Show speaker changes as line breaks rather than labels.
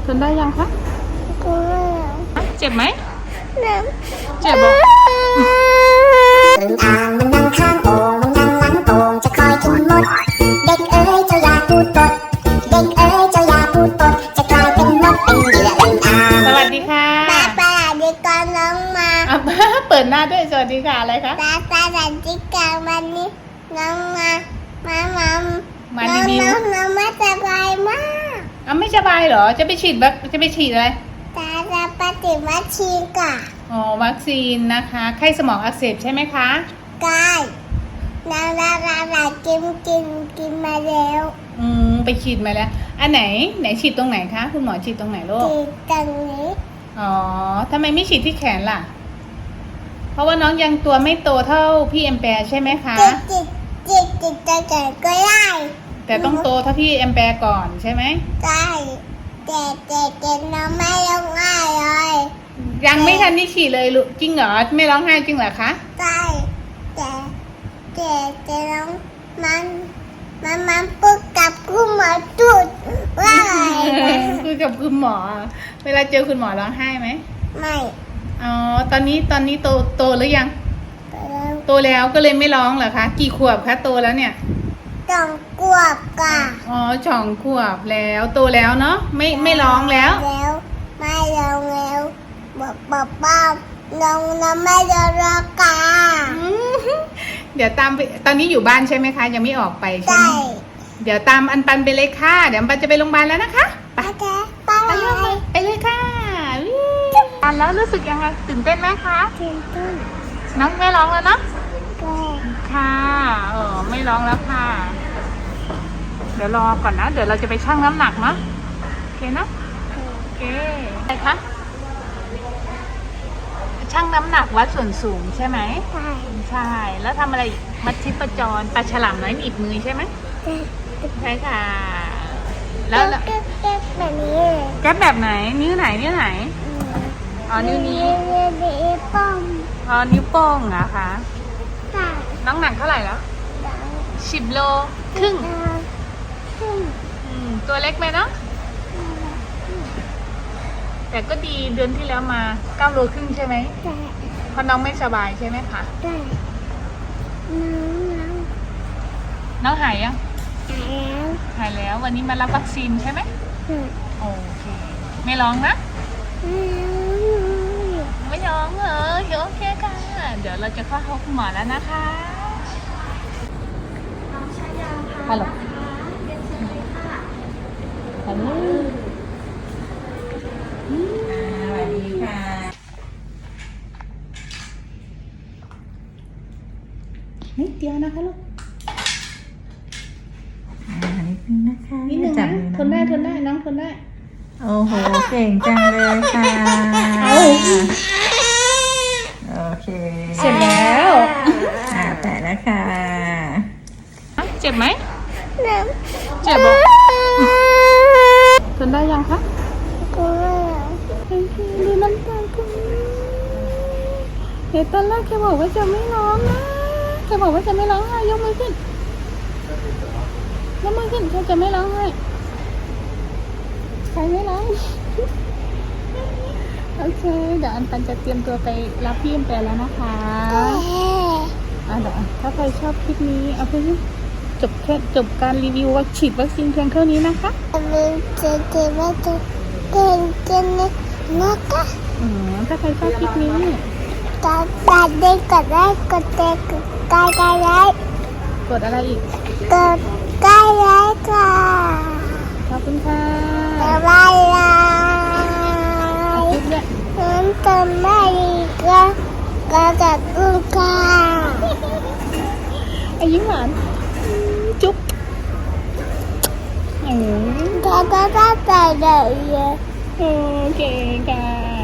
ทนได้ยังคะเจ็บไหมเจ็บบอก
อึ่งอ่างมันนั่งข้างโอ่งมันนั่งหลังโอ่งจะคอยกินมดเด็กเอ๋ยเจ้าอย่าพูดปดเด็กเอ๋ยเจ้าอย่าพูดปดจะกลายเป็นมดเป็นเหยื่ออึ่งอ่าง
สวัสดีค่ะ
ป้าดีก่อนน้องมา
เปิดหน้าด้วยสวัสดีค่ะอะไรคะ
ป้าดีก่อนวันนี้น้องมา
รีวิว
น้องไม่สบายมาก
ไม่สบายเหรอจะไปฉีดอะไร
จะปฏิวัติชีก่ะ
วัคซีนนะคะไข้สมองอักเสบใช่ไหมคะ
ใช่เรากินมาแล้ว
ไปฉีดมาแล้วอันไหนฉีดตรงไหนคะคุณหมอฉีดตรงไหนลูก
ฉีดตรงนี้
ทำไมไม่ฉีดที่แขนล่ะเพราะว่าน้องยังตัวไม่โตเท่าพี่แอมแปร์ใช่ไหมคะ
จิตจะเกิดก็ได้
แต่ต้องโตเท่าพี่แอมแปร์ก่อนใช่ไหม
ใช่แต่น้องไม่ร้องไห้เลย
ยังไม่ทันที่ฉีดเลยลูกจริงเหรอไม่ร้องไห้จริงเหรอคะ
ใช่แต่น้องมันพูดกับคุณหมอจุดว่า
คุยกับคุณหมอเวลาเจอคุณหมอร้องไห้ไหม
ไม่
ตอนนี้โตหรือยังโตแล้วก็เลยไม่ร้องเหรอคะกี่ขวบคะโตแล้วเนี่ย
2 ขวบค่ะ
2 ขวบแล้วโตแล้วเนาะไม่ร้องแล้ว
ไม่ร้องแล้วบอกป้าน้องไม่ร้องค่ะ
เดี๋ยวตามไปตอนนี้อยู่บ้านใช่ไหมคะยังไม่ออกไปใช่ไหมเดี๋ยวตามอันปันไปเลยค่ะเดี๋ยวอันปันจะไปโรงพยาบาลแล้วนะคะไปเลยค่ะอันแล้วรู้สึกยังไงตื่นเต้นไหมคะ
ตื่นเต้น
น้องไม่ร้องแล้วเนาะค่ะไม่ร้องแล้วค่ะเดี๋ยวรอก่อนนะเดี๋ยวเราจะไปชั่งน้ำหนักเนาะโอเคนะโอเคอะไรคะชั่งน้ำหนักวัดส่วนสูงใช่ไหมใช่แล้วทำอะไรมัดชิปจรปลาฉลามน้อยหนีบมือใช่ไหมใช่ค่ะแล้ว
แก๊บแบบนี้
แก๊บแบบไหนนิ้วไหนนิ้วนี้
นิ้วโป้ง
นิ้วโป้งเหรอคะน้ำหนักเท่าไหร่แล้ว10 โลครึ่งตัวเล็กไหมเนาะแต่ก็ดีเดือนที่แล้วมา9 โลครึ่งใช่ไหมเพราะน้องไม่สบายใช่ไหมคะน้องหายยังหายแล้ววันนี้มารับวัคซีนใช่ไหมโอเคไม่ร้องนะไม่ร้องเหรอโอเคค่ะเดี๋ยวเราจะเข้าห้องคุณหมอแล้วนะคะฮัลโหลฮัลโหล
สวัสดีค่ะ
นิดเดียวนะคะลูก
นิดนึงนะคะ
นิดนึงนะทนได้น้องทนได้
โอ้โหเก่งจังเลยค่ะโอเค
เสร็จแล้ว
แปะแล้วค่ะ
เจ็บไหมเจ็บบอกทนได้ยังคะดูน้ำตาคุณเฮ้ยตอนแรกแกบอกว่าจะไม่ร้องนะแกบอกว่าจะไม่ร้องไห้ยกมือขึ้นเขาจะไม่ร้องไห้ใครไม่ร้องโอเคเดี๋ยวอันปันจะเตรียมตัวไปรับพี่แอมแปร์แล้วนะคะเดี๋ยวถ้าใครชอบคลิปนี้เอาไปจบการรีวิวฉีดวัคซีนเพียงเท่านี้นะคะถ้าใครชอบคลิปนี้
กดไลค์กดอะไรอีกกดไลค์ค่ะ
ขอบคุณค่ะ
บ๊ายบายน้ำตาไม่ก็จับกุญค่ะ
ยิ้มหวานจุ๊บ
ก็ไปเลย
โอเคค่ะ